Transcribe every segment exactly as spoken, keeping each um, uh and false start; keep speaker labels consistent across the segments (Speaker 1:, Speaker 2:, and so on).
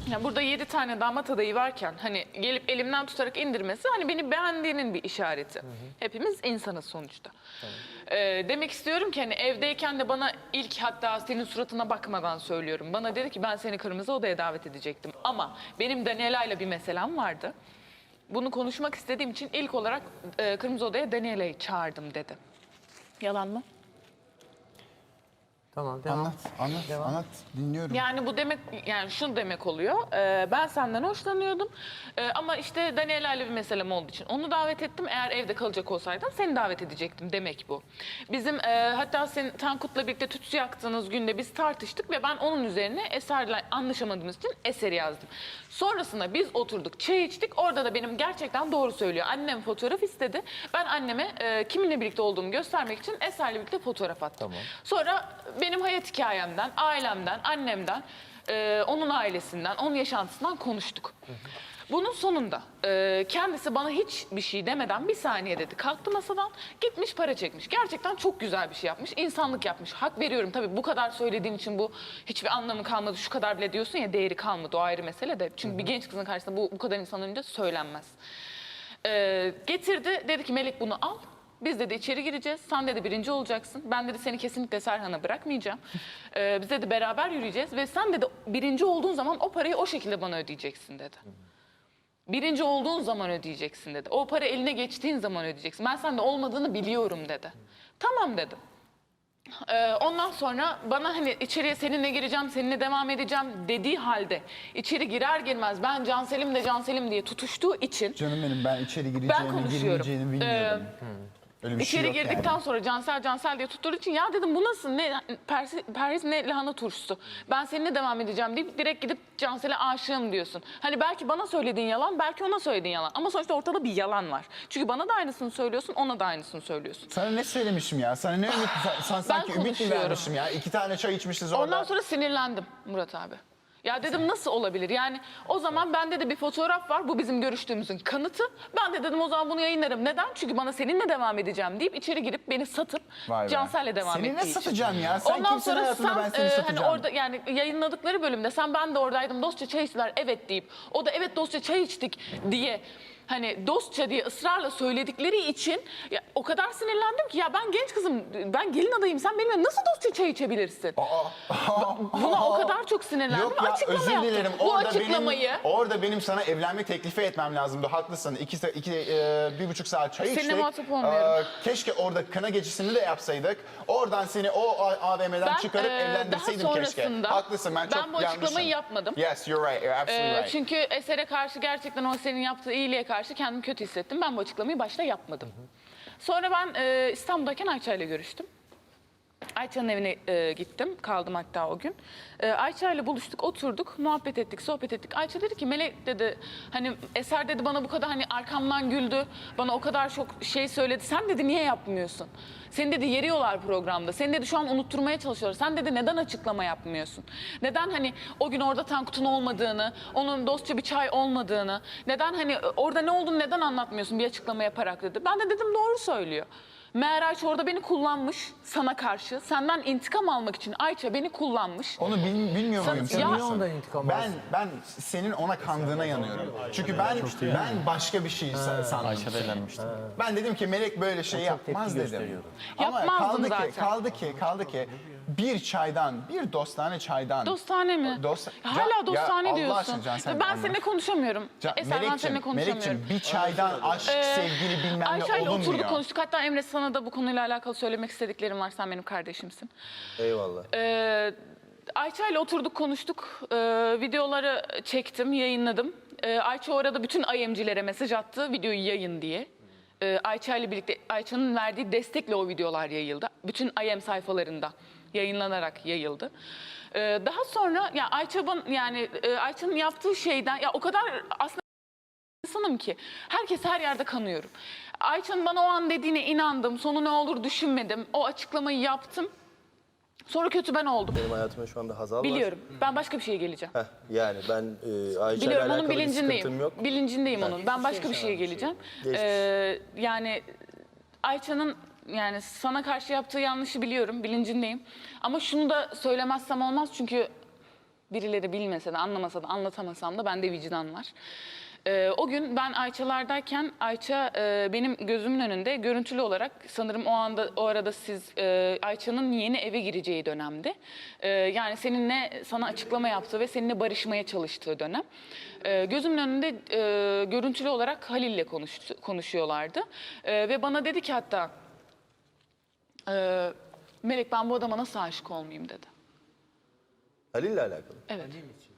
Speaker 1: Ya burada yedi tane damat adayı varken hani gelip elimden tutarak indirmesi hani beni beğendiğinin bir işareti. Hı hı. Hepimiz insanız sonuçta. Tamam. Ee, demek istiyorum ki hani evdeyken de bana ilk hatta senin suratına bakmadan söylüyorum. Bana dedi ki ben seni kırmızı odaya davet edecektim. Ama benim Daniela'yla bir meselem vardı. Bunu konuşmak istediğim için ilk olarak e, kırmızı odaya Daniela'yı çağırdım dedi. Yalan mı?
Speaker 2: Tamam, devam.
Speaker 3: Anlat, anlat,
Speaker 2: Devam.
Speaker 3: anlat. Dinliyorum.
Speaker 1: Yani bu demek, yani şunu demek oluyor. Ee, ben senden hoşlanıyordum. Ee, ama işte Daniela ile bir meselem olduğu için onu davet ettim. Eğer evde kalacak olsaydın seni davet edecektim demek bu. Bizim e, hatta senin Tankut'la birlikte tütsü yaktığınız günde biz tartıştık ve ben onun üzerine Eser'le anlaşamadığımız için Eser'i yazdım. Sonrasında biz oturduk, çay içtik. Orada da benim gerçekten doğru söylüyor. Annem fotoğraf istedi. Ben anneme e, kiminle birlikte olduğumu göstermek için Eser'le birlikte fotoğraf attım.
Speaker 2: Tamam.
Speaker 1: Sonra benim hayat hikayemden, ailemden, annemden, e, onun ailesinden, onun yaşantısından konuştuk. Hı hı. Bunun sonunda e, kendisi bana hiçbir şey demeden bir saniye dedi. Kalktı masadan, gitmiş para çekmiş. Gerçekten çok güzel bir şey yapmış, insanlık yapmış. Hak veriyorum tabii bu kadar söylediğin için bu hiçbir anlamı kalmadı. Şu kadar bile diyorsun ya, değeri kalmadı, o ayrı mesele de. Çünkü hı hı. bir genç kızın karşısında bu, bu kadar insanın önünde söylenmez. E, getirdi, dedi ki Melek bunu al. Biz dedi içeri gireceğiz. Sen dedi birinci olacaksın. Ben dedi seni kesinlikle Serhan'a bırakmayacağım. Ee, biz dedi beraber yürüyeceğiz ve sen dedi birinci olduğun zaman o parayı o şekilde bana ödeyeceksin dedi. Birinci olduğun zaman ödeyeceksin dedi. O para eline geçtiğin zaman ödeyeceksin. Ben sende olmadığını biliyorum dedi. Tamam dedim. Ee, ondan sonra bana hani içeriye seninle gireceğim, seninle devam edeceğim dediği halde içeri girer girmez ben Cansel'im de Cansel'im diye tutuştuğu için
Speaker 3: Canım benim, ben içeri gireceğimi, girmeyeceğini bilmiyordum. Ee, Öyle bir
Speaker 1: İçeri
Speaker 3: şey yok
Speaker 1: girdikten
Speaker 3: yani.
Speaker 1: sonra Cansel Cansel diye tutturduğu için ya dedim bu nasıl, ne persi, perhiz ne lahana turşusu. Ben seninle devam edeceğim deyip direkt gidip Cansel'e aşığım diyorsun. Hani belki bana söylediğin yalan, belki ona söylediğin yalan. Ama sonuçta ortada bir yalan var. Çünkü bana da aynısını söylüyorsun, ona da aynısını söylüyorsun.
Speaker 3: Sana ne söylemişim ya? Sana ne ümit, sen sanki ümit mi
Speaker 1: konuşuyorum.
Speaker 3: vermişim ya? İki tane çay içmişiz orada.
Speaker 1: Ondan sonra sinirlendim Murat abi. Ya dedim nasıl olabilir? Yani o zaman bende de bir fotoğraf var. Bu bizim görüştüğümüzün kanıtı. Ben de dedim o zaman bunu yayınlarım. Neden? Çünkü bana seninle devam edeceğim deyip içeri girip beni satıp Cansel'le devam ettiği için.
Speaker 3: Seni ne satacağım ya? Sen
Speaker 1: Ondan
Speaker 3: kimsin
Speaker 1: sonra
Speaker 3: hayatında,
Speaker 1: sen
Speaker 3: ben seni
Speaker 1: e,
Speaker 3: satacağım.
Speaker 1: hani orada yani yayınladıkları bölümde sen ben de oradaydım dostça çay içtiler evet deyip o da evet dostça çay içtik diye hani dostça diye ısrarla söyledikleri için ya, o kadar sinirlendim ki ya ben genç kızım, ben gelin adayım, sen benimle nasıl dostça çay içebilirsin?
Speaker 3: Aa,
Speaker 1: Buna o kadar çok sinirlendim.
Speaker 3: Yok ya,
Speaker 1: Açıklama
Speaker 3: özür dilerim.
Speaker 1: yaptım. Bu
Speaker 3: Orada
Speaker 1: açıklamayı
Speaker 3: benim, orada benim sana evlenme teklifi etmem lazımdı. Haklısın. İki, iki, e, bir buçuk saat çay
Speaker 1: Seninle
Speaker 3: içtik.
Speaker 1: muhatap olmuyorum.
Speaker 3: Ee, keşke orada kına gecesini de yapsaydık. Oradan seni o A V M'den
Speaker 1: Ben,
Speaker 3: çıkarıp
Speaker 1: e,
Speaker 3: evlendirseydim
Speaker 1: daha
Speaker 3: keşke.
Speaker 1: sonrasında
Speaker 3: Haklısın, ben çok
Speaker 1: ben bu açıklamayı
Speaker 3: yanlışım.
Speaker 1: yapmadım.
Speaker 3: Yes, you're right. You're absolutely
Speaker 1: Ee,
Speaker 3: right.
Speaker 1: çünkü Eser'e karşı gerçekten o senin yaptığı iyiliğe karşı kendimi kötü hissettim. Ben bu açıklamayı başta yapmadım. Hı hı. Sonra ben e, İstanbul'dayken Ayça ile görüştüm. Ayça'nın evine e, gittim. Kaldım hatta o gün. E, Ayça ile buluştuk, oturduk, muhabbet ettik, sohbet ettik. Ayça dedi ki Melek dedi hani Eser dedi bana bu kadar hani arkamdan güldü. Bana o kadar çok şey söyledi. Sen dedi niye yapmıyorsun? Seni dedi yeriyorlar programda. Seni dedi şu an unutturmaya çalışıyorlar. Sen dedi neden açıklama yapmıyorsun? Neden hani o gün orada Tankut'un olmadığını, onun dostça bir çay olmadığını, neden hani orada ne olduğunu neden anlatmıyorsun bir açıklama yaparak dedi. Ben de dedim doğru söylüyor. Meğer Ayça orada beni kullanmış sana karşı. Senden intikam almak için Ayça beni kullanmış.
Speaker 3: Onu bil, bilmiyor
Speaker 1: Sen-
Speaker 3: muyum?
Speaker 1: Ya-
Speaker 3: Sen
Speaker 2: Niye ondan intikam
Speaker 3: ben,
Speaker 2: alsın?
Speaker 3: ben senin ona kandığına yanıyorum. Çünkü ben ben başka bir şey sa- sandım.
Speaker 4: Ayşe'de eğlenmiştim.
Speaker 3: Ben dedim ki Melek böyle şey
Speaker 2: çok tepki
Speaker 3: yapmaz dedim.
Speaker 2: gösteriyordu.
Speaker 3: Ama
Speaker 1: Yapmazdım
Speaker 3: kaldı
Speaker 1: zaten.
Speaker 3: ki, kaldı ki, kaldı ki bir çaydan, bir dostane çaydan.
Speaker 1: Dostane mi?
Speaker 3: Dost-
Speaker 1: Ya hala dostane
Speaker 3: ya Allah
Speaker 1: diyorsun.
Speaker 3: aşkına Can, sen
Speaker 1: ben
Speaker 3: anla.
Speaker 1: seninle konuşamıyorum.
Speaker 3: Can-
Speaker 1: Eser ben
Speaker 3: Melek'cim,
Speaker 1: seninle konuşamıyorum.
Speaker 3: Melek'cim bir çaydan aşk, sevgili bilmem ne
Speaker 1: Ayşe ile
Speaker 3: olunmuyor.
Speaker 1: oturduk konuştuk. Hatta Emre sana da bu konuyla alakalı söylemek istediklerim var. Sen benim kardeşimsin.
Speaker 5: Eyvallah.
Speaker 1: Ee, Ayça ile oturduk konuştuk. Ee, videoları çektim, yayınladım. Ee, Ayça orada bütün I M'cilere mesaj attı videoyu yayın diye. Ee, Ayça ile birlikte Ayça'nın verdiği destekle o videolar yayıldı. Bütün I M sayfalarında yayınlanarak yayıldı. Ee, daha sonra ya Ayça'nın yani e, Ayça'nın yaptığı şeyden ya o kadar aslında insanım ki herkes her yerde kanıyorum. Ayça'nın bana o an dediğine inandım. Sonu ne olur düşünmedim. O açıklamayı yaptım. Sonra kötü ben oldum.
Speaker 5: Benim hayatımda şu anda Hazal var.
Speaker 1: Biliyorum. Ben başka bir şeye geleceğim.
Speaker 5: Heh, yani ben e, Ayşe'yle
Speaker 1: Biliyorum,
Speaker 5: alakalı
Speaker 1: onun
Speaker 5: bir sıkıntım
Speaker 1: bilincindeyim.
Speaker 5: yok.
Speaker 1: Bilincindeyim onun. Ben başka bir şeye geleceğim.
Speaker 5: Geçmiş.
Speaker 1: Ee, yani Ayça'nın yani sana karşı yaptığı yanlışı biliyorum, bilincindeyim. Ama şunu da söylemezsem olmaz çünkü Birileri bilmese de, anlamasa da, anlatamasam da bende vicdan var. Ee, o gün ben Ayça'lardayken Ayça e, benim gözümün önünde görüntülü olarak, sanırım o anda o arada siz e, Ayça'nın yeni eve gireceği dönemdi. E, yani seninle sana açıklama yaptığı ve seninle barışmaya çalıştığı dönem. E, gözümün önünde e, görüntülü olarak Halil'le konuştu, konuşuyorlardı. E, ve bana dedi ki hatta e, Melek, ben bu adama nasıl aşık olmayayım dedi.
Speaker 5: Halil'le alakalı.
Speaker 1: Evet.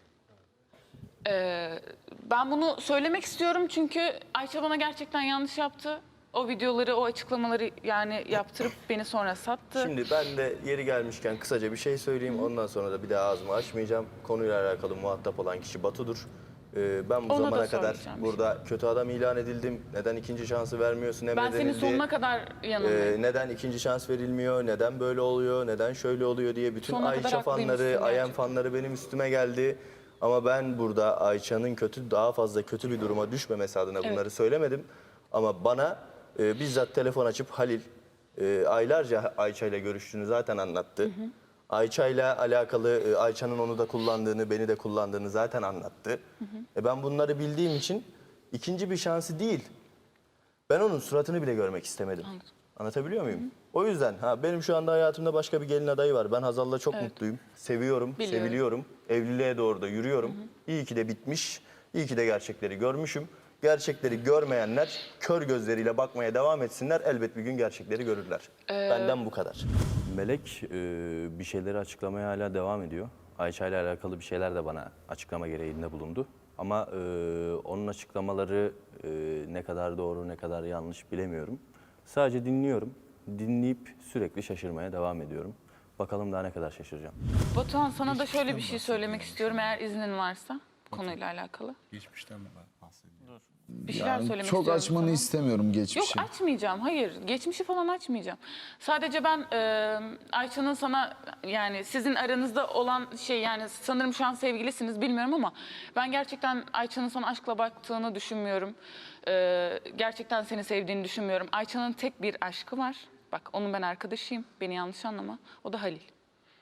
Speaker 1: Ee, ben bunu söylemek istiyorum çünkü Ayça bana gerçekten yanlış yaptı. O videoları, o açıklamaları yani yaptırıp beni sonra sattı.
Speaker 5: Şimdi ben de yeri gelmişken kısaca bir şey söyleyeyim. Ondan sonra da bir daha ağzımı açmayacağım. Konuyla alakalı muhatap olan kişi Batu'dur. Ee, ben bu
Speaker 1: Ona da
Speaker 5: zamana kadar
Speaker 1: söyleyeceğim bir şey.
Speaker 5: burada kötü adam ilan edildim. Neden ikinci şansı vermiyorsun
Speaker 1: Ben
Speaker 5: emredildi.
Speaker 1: senin sonuna kadar yanındayım.
Speaker 5: Ee, neden ikinci şans verilmiyor, neden böyle oluyor, neden şöyle oluyor diye bütün
Speaker 1: Sonuna kadar
Speaker 5: Ayça
Speaker 1: haklıymışsın
Speaker 5: fanları, Ayem
Speaker 1: gerçekten.
Speaker 5: fanları benim üstüme geldi. Ama ben burada Ayça'nın kötü, daha fazla kötü bir duruma düşmemesi adına bunları
Speaker 1: Evet.
Speaker 5: söylemedim. Ama bana e, bizzat telefon açıp Halil e, aylarca Ayça ile görüştüğünü zaten anlattı. Ayça ile alakalı e, Ayça'nın onu da kullandığını, beni de kullandığını zaten anlattı. Hı hı. E, ben bunları bildiğim için ikinci bir şansı değil, ben onun suratını bile görmek istemedim.
Speaker 1: Anladım.
Speaker 5: Anlatabiliyor muyum? Hı hı. O yüzden ha benim şu anda hayatımda başka bir gelin adayı var. Ben Hazal'la çok
Speaker 1: Evet.
Speaker 5: mutluyum. Seviyorum,
Speaker 1: Biliyorum.
Speaker 5: seviliyorum. Evliliğe doğru da yürüyorum. Hı hı. İyi ki de bitmiş. İyi ki de gerçekleri görmüşüm. Gerçekleri görmeyenler kör gözleriyle bakmaya devam etsinler. Elbet bir gün gerçekleri görürler.
Speaker 1: Ee,
Speaker 5: Benden bu kadar.
Speaker 2: Melek e, bir şeyleri açıklamaya hala devam ediyor. Ayça ile alakalı bir şeyler de bana açıklama gereğinde bulundu. Ama e, onun açıklamaları e, ne kadar doğru ne kadar yanlış bilemiyorum. Sadece dinliyorum. Dinleyip sürekli şaşırmaya devam ediyorum. Bakalım daha ne kadar şaşıracağım.
Speaker 1: Batuhan, sana da şöyle bir şey söylemek istiyorum eğer iznin varsa konuyla alakalı.
Speaker 4: Geçmişten mi bahsediyor?
Speaker 1: Bir şeyler
Speaker 6: Yani
Speaker 1: söylemek
Speaker 6: çok
Speaker 1: istiyorum
Speaker 6: açmanı
Speaker 1: sana.
Speaker 6: istemiyorum
Speaker 1: Yok,
Speaker 6: geçmişi.
Speaker 1: açmayacağım. Hayır. Geçmişi falan açmayacağım. Sadece ben e, Ayça'nın sana, yani sizin aranızda olan şey, yani sanırım şu an sevgilisiniz bilmiyorum ama ben gerçekten Ayça'nın sana aşkla baktığını düşünmüyorum. E, gerçekten seni sevdiğini düşünmüyorum. Ayça'nın tek bir aşkı var. Bak, onun ben arkadaşıyım. Beni yanlış anlama. O da Halil.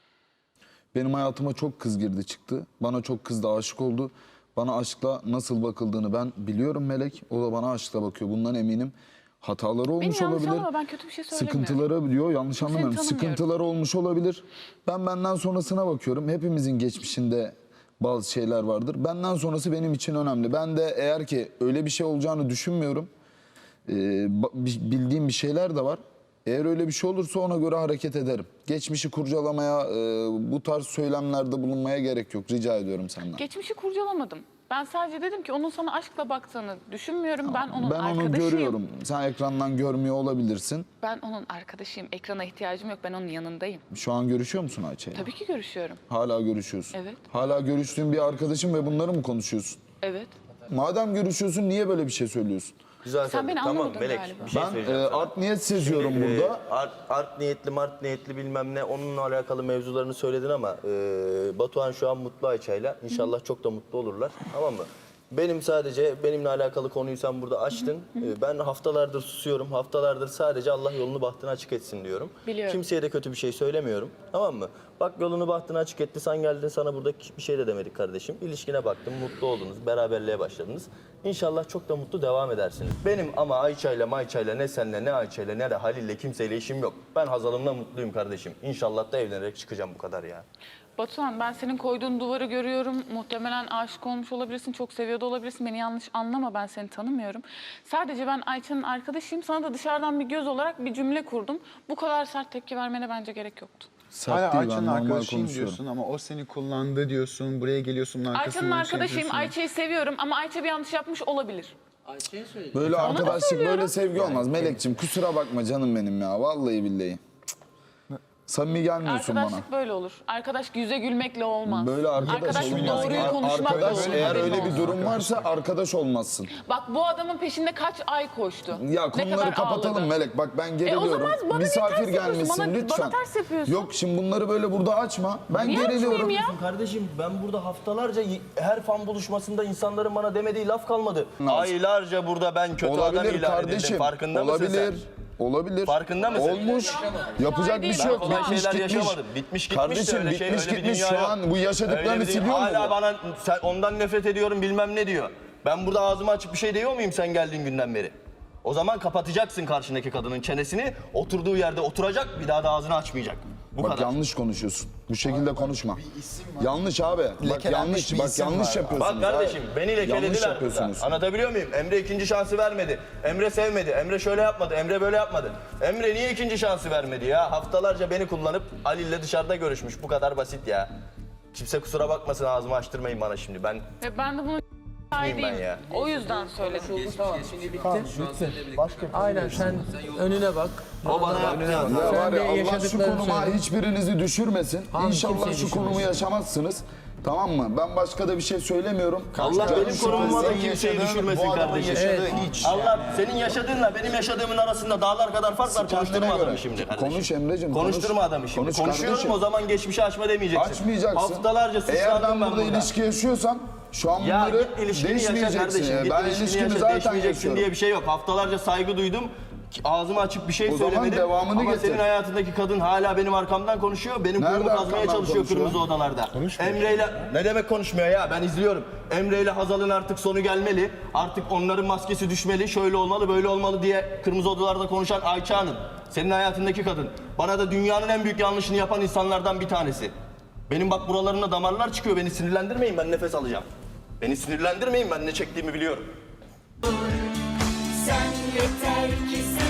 Speaker 6: Benim hayatıma çok kız girdi çıktı. Bana çok kız da aşık oldu. Bana aşkla nasıl bakıldığını ben biliyorum Melek. O da bana aşkla bakıyor. Bundan eminim. Hataları olmuş
Speaker 1: yanlış
Speaker 6: olabilir.
Speaker 1: anlama, ben kötü bir şey söylemiyorum.
Speaker 6: Sıkıntıları diyor, yanlış
Speaker 1: Seni
Speaker 6: anlamıyorum.
Speaker 1: tanımıyorum.
Speaker 6: Sıkıntıları olmuş olabilir. Ben benden sonrasına bakıyorum. Hepimizin geçmişinde bazı şeyler vardır. Benden sonrası benim için önemli. Ben de eğer ki öyle bir şey olacağını düşünmüyorum. Ee, ba- bi- bildiğim bir şeyler de var. Eğer öyle bir şey olursa ona göre hareket ederim. Geçmişi kurcalamaya, e, bu tarz söylemlerde bulunmaya gerek yok. Rica ediyorum senden.
Speaker 1: Geçmişi kurcalamadım. Ben sadece dedim ki onun sana aşkla baktığını düşünmüyorum. Ben onun
Speaker 6: Ben onu
Speaker 1: arkadaşıyım.
Speaker 6: görüyorum. Sen ekrandan görmüyor olabilirsin.
Speaker 1: Ben onun arkadaşıyım. Ekrana ihtiyacım yok. Ben onun yanındayım.
Speaker 6: Şu an görüşüyor musun Ayça'yla?
Speaker 1: Tabii ki görüşüyorum.
Speaker 6: Hala görüşüyorsun.
Speaker 1: Evet.
Speaker 6: Hala görüştüğün bir arkadaşın ve bunları mı konuşuyorsun?
Speaker 1: Evet.
Speaker 6: Madem görüşüyorsun niye böyle bir şey söylüyorsun?
Speaker 5: Güzel
Speaker 1: Sen
Speaker 5: tabii.
Speaker 1: beni
Speaker 5: Tamam
Speaker 1: anlamadın
Speaker 5: Melek
Speaker 1: galiba.
Speaker 5: bir şey
Speaker 6: Ben
Speaker 5: söyleyeceğim
Speaker 6: e,
Speaker 5: sana.
Speaker 6: art niyet seziyorum
Speaker 5: Ee,
Speaker 6: burada.
Speaker 5: art, art niyetli, mart niyetli bilmem ne onunla alakalı mevzularını söyledin ama e, Batuhan şu an mutlu Ayça'yla. İnşallah çok da mutlu olurlar. Tamam mı? Benim sadece benimle alakalı konuyu sen burada açtın. E, ben haftalardır susuyorum. Haftalardır sadece Allah yolunu bahtını açık etsin diyorum.
Speaker 1: Biliyorum.
Speaker 5: Kimseye de kötü bir şey söylemiyorum. Tamam mı? Bak yolunu bahtını açık etti. Sen geldin, sana burada bir şey de demedik kardeşim. İlişkine baktım, mutlu oldunuz, beraberliğe başladınız. İnşallah çok da mutlu devam edersiniz. Benim ama Ayça'yla Mayça'yla ne seninle ne Ayça'yla ne de Halil'le kimseyle işim yok. Ben Hazal'ımla mutluyum kardeşim. İnşallah da evlenerek çıkacağım, bu kadar ya.
Speaker 1: Batuhan, ben senin koyduğun duvarı görüyorum. Muhtemelen aşık olmuş olabilirsin. Çok seviyor da olabilirsin. Beni yanlış anlama. Ben seni tanımıyorum. Sadece ben Ayça'nın arkadaşıyım. Sana da dışarıdan bir göz olarak bir cümle kurdum. Bu kadar sert tepki vermene bence gerek yoktu.
Speaker 6: Sert
Speaker 3: Hala
Speaker 6: değil, ben
Speaker 3: Ayça'nın
Speaker 6: normal
Speaker 3: arkadaşıyım
Speaker 6: konuşuyorum.
Speaker 3: diyorsun ama o seni kullandı diyorsun. Buraya geliyorsun bunun arkasından
Speaker 1: Ayça'nın
Speaker 3: şey
Speaker 1: arkadaşıyım.
Speaker 3: yapıyorsun.
Speaker 1: Ayça'yı seviyorum ama Ayça bir yanlış yapmış olabilir.
Speaker 6: Böyle arkadaşlık,
Speaker 1: söylüyorum.
Speaker 6: böyle sevgi olmaz. Melek'ciğim kusura bakma canım benim ya. Vallahi billahi. Cık. Samimi gelmiyorsun bana.
Speaker 1: Arkadaşlık böyle olur. Arkadaş yüze gülmekle olmaz.
Speaker 6: Böyle arkadaş
Speaker 1: Arkadaşlık
Speaker 6: olmaz.
Speaker 1: doğruyu
Speaker 6: Ar-
Speaker 1: konuşmakla
Speaker 6: arkadaş,
Speaker 1: olur.
Speaker 6: eğer
Speaker 1: haberin
Speaker 6: öyle bir
Speaker 1: olsun.
Speaker 6: durum varsa arkadaş olmazsın.
Speaker 1: Bak, bu adamın peşinde kaç ay koştu.
Speaker 6: Ya
Speaker 1: Ne
Speaker 6: konuları
Speaker 1: kadar
Speaker 6: kapatalım
Speaker 1: ağladı.
Speaker 6: Melek. Bak ben geriliyorum.
Speaker 1: zaman bana niye
Speaker 6: Misafir
Speaker 1: ters yapıyorsun?
Speaker 6: gelmesin
Speaker 1: Bana-
Speaker 6: lütfen.
Speaker 1: bana ters yapıyorsun.
Speaker 6: Yok şimdi bunları böyle burada açma. Ben
Speaker 1: Niye
Speaker 6: geriliyorum.
Speaker 1: açmayayım ya?
Speaker 5: Kardeşim ben burada haftalarca y- her fan buluşmasında insanların bana demediği laf kalmadı. Aylarca burada ben kötü adam
Speaker 6: Olabilir
Speaker 5: ilan
Speaker 6: kardeşim.
Speaker 5: edildim. Farkında
Speaker 6: Olabilir.
Speaker 5: mısın sen?
Speaker 6: Olabilir.
Speaker 5: Farkında mısın?
Speaker 6: Olmuş. Yapacak bir şey
Speaker 5: Ben
Speaker 6: yok.
Speaker 5: kolay
Speaker 6: Bitmiş
Speaker 5: şeyler
Speaker 6: gitmiş.
Speaker 5: yaşamadım. Bitmiş gitmiş de
Speaker 6: Kardeşim
Speaker 5: öyle şey,
Speaker 6: bitmiş
Speaker 5: öyle bir
Speaker 6: gitmiş.
Speaker 5: dünya
Speaker 6: Şu
Speaker 5: yok.
Speaker 6: an bu
Speaker 5: Öyle
Speaker 6: yaşadıklarını
Speaker 5: bir dünya-
Speaker 6: siliyor mu
Speaker 5: Hala
Speaker 6: bu?
Speaker 5: bana sen ondan nefret ediyorum bilmem ne diyor. Ben burada ağzımı açıp bir şey diyor muyum sen geldiğin günden beri? O zaman kapatacaksın karşındaki kadının çenesini. Oturduğu yerde oturacak, bir daha da ağzını açmayacak. Bu
Speaker 6: Bak
Speaker 5: kadar.
Speaker 6: yanlış konuşuyorsun. Bu şekilde konuşma. Yanlış abi. Bak
Speaker 3: Lekelenmiş
Speaker 6: yanlış.
Speaker 3: bir
Speaker 6: Bak
Speaker 3: isim
Speaker 6: yanlış
Speaker 3: var.
Speaker 6: yapıyorsunuz.
Speaker 5: Bak kardeşim
Speaker 6: abi.
Speaker 5: beni
Speaker 6: Yanlış
Speaker 5: lekelediler burada.
Speaker 6: yapıyorsunuz.
Speaker 5: Anlatabiliyor muyum? Emre ikinci şansı vermedi. Emre sevmedi. Emre şöyle yapmadı. Emre böyle yapmadı. Emre niye ikinci şansı vermedi ya? Haftalarca beni kullanıp Ali ile dışarıda görüşmüş. Bu kadar basit ya. Kimse kusura bakmasın ağzımı açtırmayın bana şimdi. Ben
Speaker 1: Ve ben de bunu
Speaker 5: ben
Speaker 1: değilim.
Speaker 5: ya.
Speaker 1: O yüzden söyledim.
Speaker 4: Aynen sen önüne bak.
Speaker 5: O bana yaptı.
Speaker 6: Ya
Speaker 4: Sen
Speaker 6: var
Speaker 4: de
Speaker 6: ya Allah şu
Speaker 4: yaşadıklarını
Speaker 6: konuma
Speaker 4: söyle.
Speaker 6: hiçbirinizi düşürmesin.
Speaker 4: Abi
Speaker 6: İnşallah
Speaker 4: kimseyi
Speaker 6: şu konumu
Speaker 4: düşürmesin.
Speaker 6: yaşamazsınız. Tamam mı? Ben başka da bir şey söylemiyorum.
Speaker 5: Allah
Speaker 6: Canım
Speaker 5: benim
Speaker 6: şu an
Speaker 5: konumuma da
Speaker 6: senin
Speaker 5: kimseyi
Speaker 3: yaşadığın,
Speaker 5: düşürmesin
Speaker 3: bu adamın
Speaker 5: kardeşim.
Speaker 3: yaşadığı hiç.
Speaker 5: Allah senin yaşadığınla benim yaşadığımın arasında dağlar kadar fark var.
Speaker 6: Kendine
Speaker 5: Konuşturma
Speaker 6: göre.
Speaker 5: adamı şimdi kardeşim.
Speaker 6: Konuş Emre'cim, konuş.
Speaker 5: Konuşturma adamı şimdi.
Speaker 6: Konuş
Speaker 5: Konuşuyorum
Speaker 6: kardeşim.
Speaker 5: o zaman geçmişi açma demeyeceksin.
Speaker 6: Açmayacaksın.
Speaker 5: Haftalarca
Speaker 6: Eğer
Speaker 5: sıslandım
Speaker 6: ben
Speaker 5: ben
Speaker 6: burada
Speaker 5: burada.
Speaker 6: ilişki yaşıyorsam şu an
Speaker 5: Ya
Speaker 6: bunları
Speaker 5: git ilişkini yaşa
Speaker 6: değişmeyeceksin.
Speaker 5: kardeşim.
Speaker 6: ya.
Speaker 5: Git
Speaker 6: Ben
Speaker 5: ilişkini
Speaker 6: ilişkimi
Speaker 5: yaşa.
Speaker 6: zaten
Speaker 5: Değişmeyeceksin
Speaker 6: yaşıyorum.
Speaker 5: diye bir şey yok. Haftalarca saygı duydum. Ağzımı açıp bir şey
Speaker 6: O zaman
Speaker 5: söylemedim.
Speaker 6: devamını
Speaker 5: Ama
Speaker 6: getir.
Speaker 5: senin hayatındaki kadın hala benim arkamdan konuşuyor. Benim
Speaker 6: Nerede
Speaker 5: kuyumu kazmaya
Speaker 6: arkamdan
Speaker 5: çalışıyor
Speaker 6: konuşuyor?
Speaker 5: kırmızı odalarda. Emre'yle ne demek konuşmuyor ya? Ben izliyorum. Emre'yle Hazal'ın artık sonu gelmeli. Artık onların maskesi düşmeli. Şöyle olmalı, böyle olmalı diye kırmızı odalarda konuşan Ayça Hanım. Senin hayatındaki kadın. Bana da dünyanın en büyük yanlışını yapan insanlardan bir tanesi. Benim bak buralarımda damarlar çıkıyor. Beni sinirlendirmeyin, ben nefes alacağım. Beni sinirlendirmeyin, ben ne çektiğimi biliyorum.
Speaker 7: Sen yeter ki sen